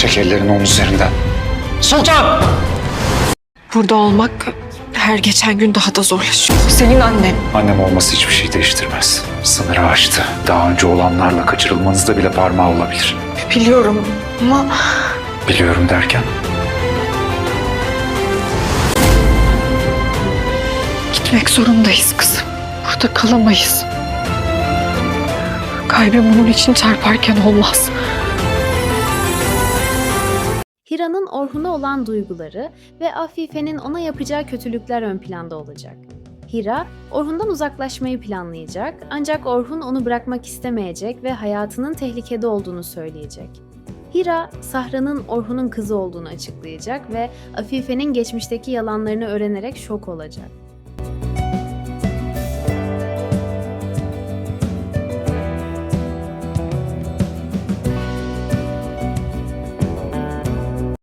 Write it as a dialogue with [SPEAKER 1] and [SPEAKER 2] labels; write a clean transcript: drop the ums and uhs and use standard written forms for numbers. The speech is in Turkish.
[SPEAKER 1] Çek ellerini onun üzerinden. Sultan!
[SPEAKER 2] Burada olmak her geçen gün daha da zorlaşıyor. Senin annen.
[SPEAKER 1] Annem olması hiçbir şey değiştirmez. Sınırı aştı. Daha önce olanlarla kaçırılmanızda bile parmağı olabilir.
[SPEAKER 2] Biliyorum ama
[SPEAKER 1] Biliyorum derken?
[SPEAKER 2] gitmek zorundayız kızım. Burada kalamayız. Kalbim bunun için çarparken olmaz.
[SPEAKER 3] Hira'nın Orhun'a olan duyguları ve Afife'nin ona yapacağı kötülükler ön planda olacak. Hira, Orhun'dan uzaklaşmayı planlayacak ancak Orhun onu bırakmak istemeyecek ve hayatının tehlikede olduğunu söyleyecek. Hira, Sahra'nın Orhun'un kızı olduğunu açıklayacak ve Afife'nin geçmişteki yalanlarını öğrenerek şok olacak.